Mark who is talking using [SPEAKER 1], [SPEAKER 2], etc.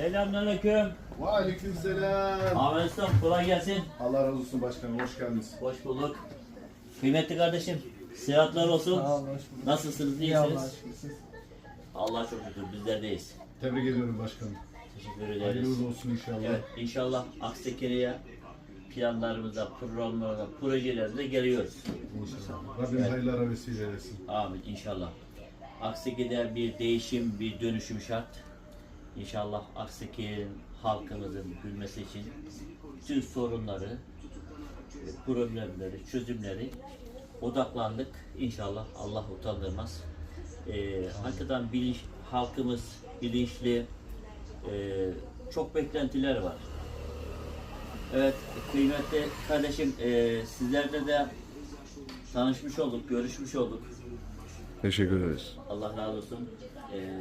[SPEAKER 1] Selamünaleyküm.
[SPEAKER 2] Aleykümselam.
[SPEAKER 1] Ahmet Usta kolay gelsin.
[SPEAKER 2] Allah razı olsun başkanım, hoş geldiniz.
[SPEAKER 1] Hoş bulduk. Kıymetli kardeşim, sıhhatler olsun.
[SPEAKER 3] Sağ olun, hoş bulduk.
[SPEAKER 1] Nasılsınız,
[SPEAKER 3] İyi Allah'a
[SPEAKER 1] iyisiniz?
[SPEAKER 3] şükür siz.
[SPEAKER 1] Allah çok şükür bizlerdeyiz.
[SPEAKER 2] Tebrik ediyorum başkanım.
[SPEAKER 1] Teşekkür ederiz.
[SPEAKER 2] Hayırlı olsun inşallah.
[SPEAKER 1] Evet, inşallah Aksekere'ye planlarımızda, programlarımızda, projelerimize geliyoruz.
[SPEAKER 2] İnşallah. Rabbim hayırlara vesile eylesin.
[SPEAKER 1] Amin inşallah. Aksekere'de bir değişim, bir dönüşüm şart. İnşallah Aksekere'nin halkımızın gülmesi için bütün sorunları, problemleri, çözümleri odaklandık. İnşallah Allah utandırmaz. Hakikaten halkımız bilinçli, çok beklentiler var. Evet kıymetli kardeşim, sizlerle de tanışmış olduk, görüşmüş olduk.
[SPEAKER 4] Teşekkür ederiz.
[SPEAKER 1] Allah razı olsun.